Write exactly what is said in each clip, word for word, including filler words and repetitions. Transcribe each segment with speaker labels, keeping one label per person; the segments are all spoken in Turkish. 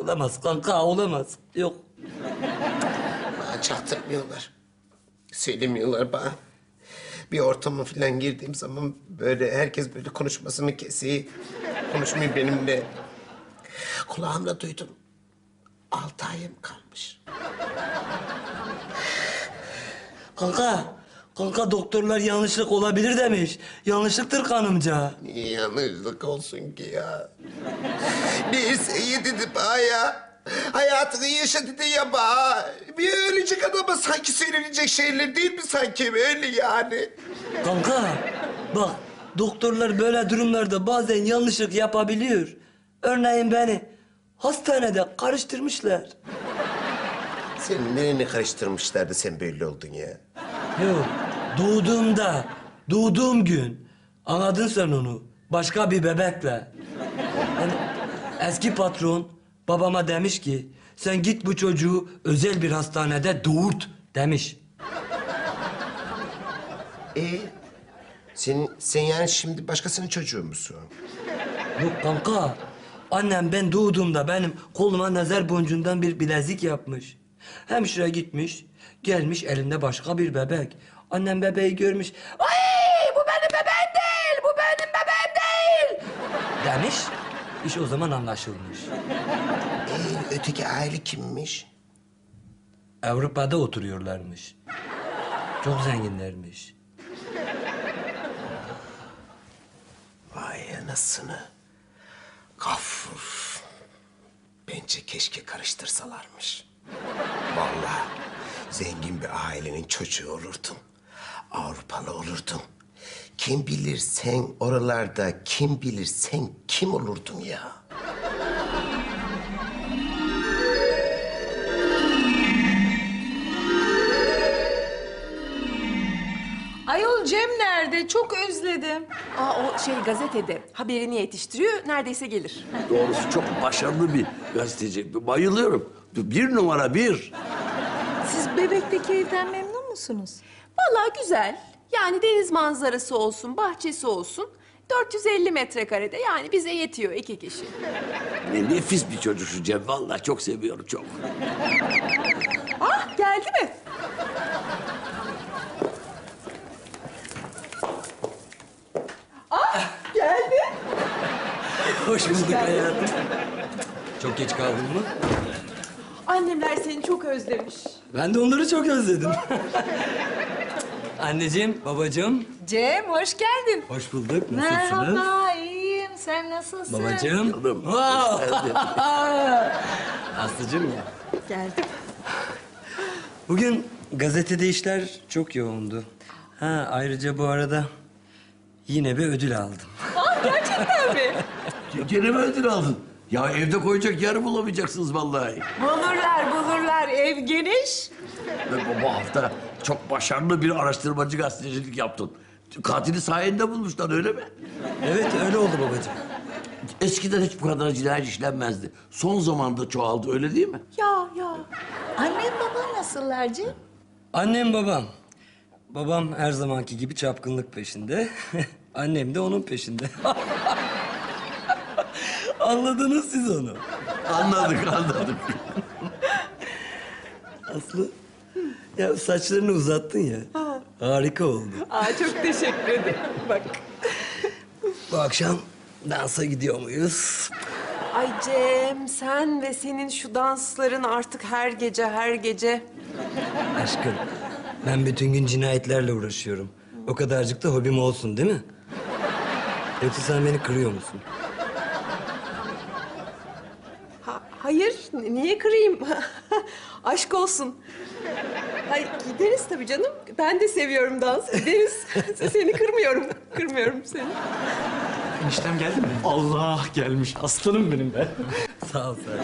Speaker 1: Olamaz kanka, olamaz. Yok.
Speaker 2: Bana çaktırmıyorlar. Söylemiyorlar bana. Bir ortama falan girdiğim zaman böyle herkes böyle konuşmasını kesiyor. Konuşmuyor benimle. Kulağımla duydum. Altı ayım kalmış.
Speaker 1: Kanka, kanka doktorlar yanlışlık olabilir demiş. Yanlışlıktır kanımca.
Speaker 2: Niye yanlışlık olsun ki ya? Neyse iyi dedi bana ya. Hayatını yaşa dedi ya bana. Bir ölecek adama sanki söylenecek şeyler değil mi sanki öyle yani?
Speaker 1: Kanka, bak doktorlar böyle durumlarda bazen yanlışlık yapabiliyor. Örneğin beni hastanede karıştırmışlar.
Speaker 2: Senin nereni karıştırmışlardı sen böyle oldun ya?
Speaker 1: Yok, doğduğumda, doğduğum gün anladın sen onu. Başka bir bebekle. Yani eski patron babama demiş ki sen git bu çocuğu özel bir hastanede doğurt demiş.
Speaker 2: E sen, sen yani şimdi başkasının çocuğu musun?
Speaker 1: Yok kanka, annem ben doğduğumda benim koluma nazar boncuğundan bir bilezik yapmış. Hemşire gitmiş, gelmiş elinde başka bir bebek. Annem bebeği görmüş. Ay bu benim bebeğim değil, bu benim bebeğim değil demiş. İş o zaman anlaşılmış.
Speaker 2: E öteki aile kimmiş?
Speaker 1: Avrupa'da oturuyorlarmış. Çok zenginlermiş.
Speaker 2: Vay anasını. Gafur. Bence keşke karıştırsalarmış. Vallahi zengin bir ailenin çocuğu olurdun. Avrupalı olurdun. Kim bilir sen oralarda, kim bilir sen kim olurdun ya?
Speaker 3: Ayol Cem nerede? Çok özledim.
Speaker 4: Aa, o şey gazetede haberini yetiştiriyor, neredeyse gelir.
Speaker 5: Doğrusu çok başarılı bir gazeteci. Bayılıyorum. Bir numara bir.
Speaker 3: Siz bebekteki evden memnun musunuz?
Speaker 4: Vallahi güzel. Yani deniz manzarası olsun, bahçesi olsun. dört yüz elli metrekarede, yani bize yetiyor iki kişi.
Speaker 5: Ne nefis bir çocuk şu Cem. Vallahi çok seviyorum, çok.
Speaker 4: Ah, geldi mi? Ah, geldi.
Speaker 1: Hoş bulduk hayatım. Çok geç kaldın mı?
Speaker 4: Annemler seni çok özlemiş.
Speaker 1: Ben de onları çok özledim. Anneciğim, babacığım.
Speaker 3: Cem hoş geldin.
Speaker 1: Hoş bulduk. Nasılsınız?
Speaker 3: Merhaba, iyiyim. Sen nasılsın?
Speaker 1: Babacığım.
Speaker 5: Canım.
Speaker 1: Wow. Aslıcığım ya.
Speaker 3: Geldim.
Speaker 1: Bugün gazetede işler çok yoğundu. Ha ayrıca bu arada yine bir ödül aldım.
Speaker 4: Gerçekten mi?
Speaker 5: Gene mi ödül aldın? Ya evde koyacak yer bulamayacaksınız vallahi.
Speaker 3: Bulurlar, bulurlar. Ev geniş.
Speaker 5: Ve bu hafta çok başarılı bir araştırmacı gazetecilik yaptın. Katili sayende bulmuşlar, öyle mi?
Speaker 1: Evet öyle oldu babacığım.
Speaker 5: Eskiden hiç bu kadar cinayet işlenmezdi. Son zamanda çoğaldı, öyle değil mi?
Speaker 4: Ya, ya.
Speaker 3: Annem baban nasıllar Cem?
Speaker 1: Annem babam. Babam her zamanki gibi çapkınlık peşinde. Annem de onun peşinde. Anladınız siz onu.
Speaker 5: Anladık, anladık.
Speaker 1: Aslı, ya saçlarını uzattın ya. Harika oldu.
Speaker 4: Aa, çok teşekkür ederim. Bak.
Speaker 1: Bu akşam dansa gidiyor muyuz?
Speaker 4: Ay Cem, sen ve senin şu dansların artık her gece, her gece.
Speaker 1: Aşkım, ben bütün gün cinayetlerle uğraşıyorum. O kadarcık da hobim olsun değil mi? Yoksa sen beni kırıyor musun?
Speaker 4: Ha, hayır, n- niye kırayım? Aşk olsun. Hayır, gideriz tabii canım. Ben de seviyorum dans. Gideriz. Seni kırmıyorum. Kırmıyorum seni.
Speaker 6: Eniştem geldi mi? Allah gelmiş. Aslanım benim be.
Speaker 1: Sağ ol Serkan.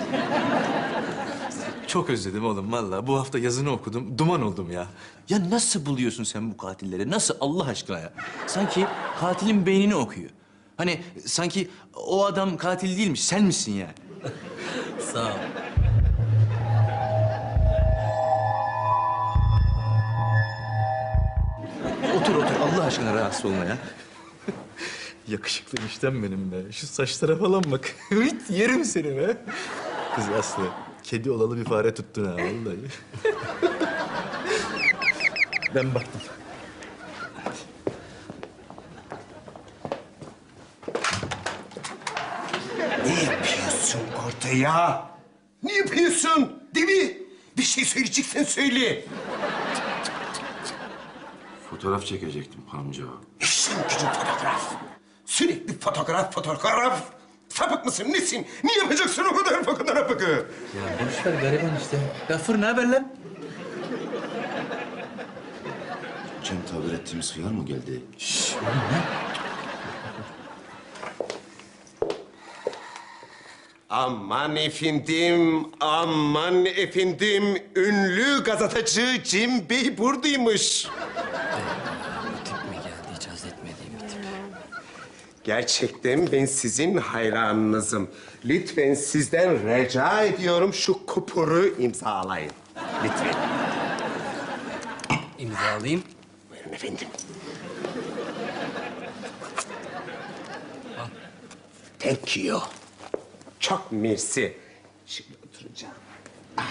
Speaker 6: Çok özledim oğlum vallahi. Bu hafta yazını okudum. Duman oldum ya. Ya nasıl buluyorsun sen bu katilleri? Nasıl Allah aşkına ya? Sanki katilin beynini okuyor. Hani sanki o adam katil değilmiş. Sen misin yani?
Speaker 1: Sağ ol.
Speaker 6: Otur otur Allah aşkına rahatsız olma ya. Yakışıklı eniştem benim be. Şu saçlara falan bak. Evet yerim seni be. Kız Aslı, kedi olalı bir fare tuttun ha vallahi. Ben baktım.
Speaker 2: Ne yapıyorsun orada ya? Ne yapıyorsun? Değil mi? Bir şey söyleyeceksen söyle.
Speaker 7: Fotoğraf çekecektim amca.
Speaker 2: İşin gücün fotoğraf. Sürekli fotoğraf, fotoğraf. Sapık mısın, nesin? Ne yapacaksın o kadar fotoğrafı?
Speaker 6: Ya boş ver gariban işte. Gafur ne haber lan?
Speaker 7: Cem tabir ettiğimiz hıyar mı geldi?
Speaker 2: Aman efendim, aman efendim. Ünlü gazeteci Cem Bey buradaymış.
Speaker 1: Bu tip mi geldi? Hiç haz etmediğim bir tip.
Speaker 2: Gerçekten ben sizin hayranınızım. Lütfen sizden rica ediyorum şu kupuru imzalayın. Lütfen.
Speaker 1: İmzalayayım.
Speaker 2: Buyurun efendim. Thank you. Çok mersi. Şimdi oturacağım. Ah.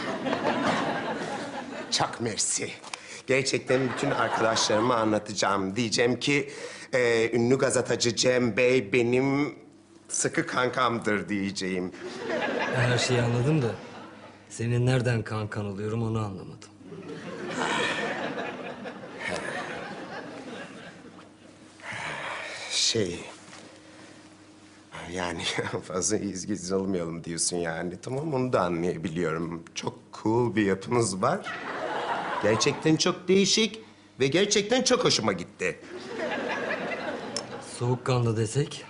Speaker 2: Çok mersi. Gerçekten bütün arkadaşlarıma anlatacağım. Diyeceğim ki e, ünlü gazeteci Cem Bey benim sıkı kankamdır diyeceğim.
Speaker 1: Ben her şeyi anladım da senin nereden kankan oluyorum onu anlamadım.
Speaker 2: Şey... Yani fazla izgiz olmayalım diyorsun yani. Tamam, onu da anlayabiliyorum. Çok cool bir yapınız var. Gerçekten çok değişik ve gerçekten çok hoşuma gitti.
Speaker 1: Soğukkanlı desek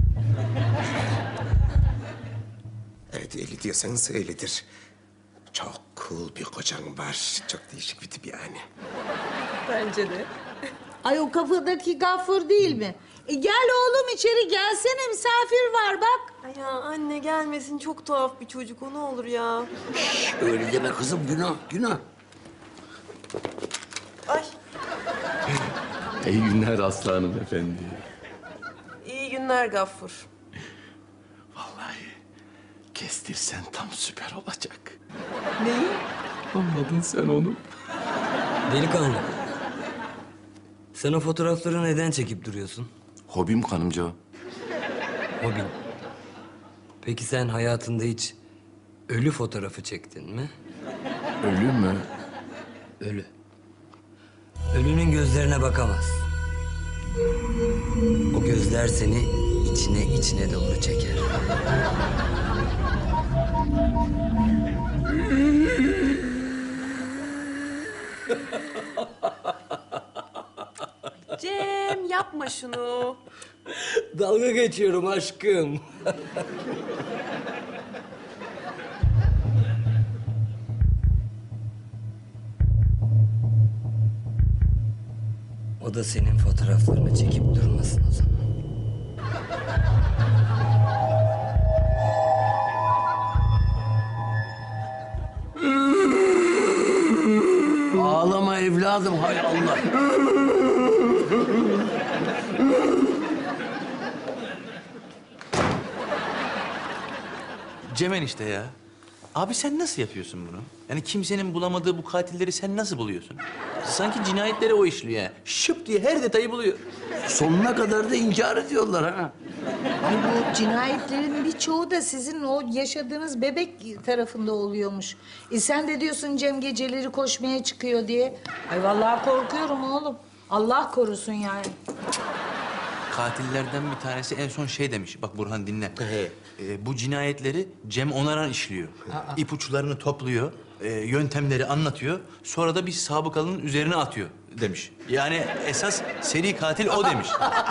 Speaker 2: Evet, öyle diyorsanız öyledir. Çok cool bir kocan var. Çok değişik bir tip yani.
Speaker 4: Bence de.
Speaker 3: Ay o kafadaki Gaffur değil mi? E, gel oğlum içeri gelsene misafir var bak.
Speaker 4: Ay ya anne gelmesin, çok tuhaf bir çocuk o, ne olur ya.
Speaker 5: Öyle deme kızım, günah, günah.
Speaker 4: Ay
Speaker 7: İyi günler aslanım efendi.
Speaker 4: iyi günler Gaffur.
Speaker 7: Vallahi kestirsen tam süper olacak.
Speaker 4: Neyi?
Speaker 7: Anladın sen onu.
Speaker 1: delikanlı. Sen o fotoğrafları neden çekip duruyorsun?
Speaker 7: Hobim kanımca.
Speaker 1: Hobin. Peki sen hayatında hiç ölü fotoğrafı çektin mi?
Speaker 7: Ölü mü?
Speaker 1: Ölü. Ölünün gözlerine bakamaz. O gözler seni içine içine doğru çeker.
Speaker 4: Cem yapma şunu.
Speaker 1: Dalga geçiyorum aşkım. O da senin fotoğraflarını çekip durmasın o zaman.
Speaker 5: Ağlama evladım, hay Allah.
Speaker 6: Cemen işte ya. Abi sen nasıl yapıyorsun bunu? Yani kimsenin bulamadığı bu katilleri sen nasıl buluyorsun? Sanki cinayetleri o işliyor yani. Şıp diye her detayı buluyor.
Speaker 5: Sonuna kadar da inkar ediyorlar ha.
Speaker 3: Ay bu cinayetlerin birçoğu da sizin o yaşadığınız bebek tarafında oluyormuş. E sen de diyorsun Cem geceleri koşmaya çıkıyor diye. Ay vallahi korkuyorum oğlum. Allah korusun yani.
Speaker 6: Katillerden bir tanesi en son şey demiş. Bak Burhan dinle. Ee, bu cinayetleri Cem Onaran işliyor. İpuçlarını topluyor. e, yöntemleri anlatıyor. Sonra da bir sabıkalının üzerine atıyor demiş. Yani esas seri katil o demiş.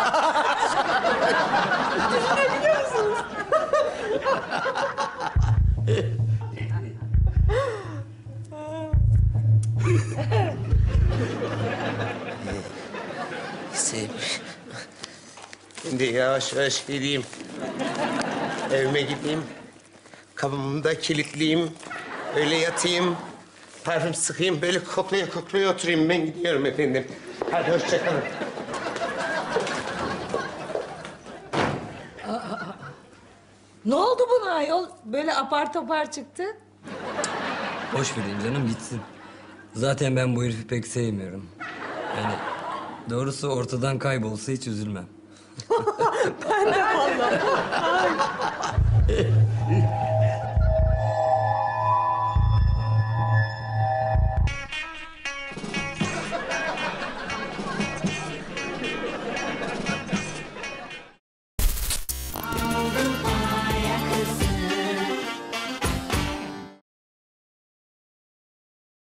Speaker 2: Sev. Ben de yavaş yavaş gideyim. Evime gideyim. Kapımı da kilitleyeyim. Öyle yatayım. Parfüm sıkayım. Böyle koklaya koklaya oturayım. Ben gidiyorum efendim. Hadi hoşça kalın.
Speaker 3: Ne oldu buna ayol? Böyle apar topar çıktı.
Speaker 1: Boş vereyim canım gitsin. Zaten ben bu herifi pek sevmiyorum. Yani doğrusu ortadan kaybolsa hiç üzülmem.
Speaker 4: Ben de vallahi.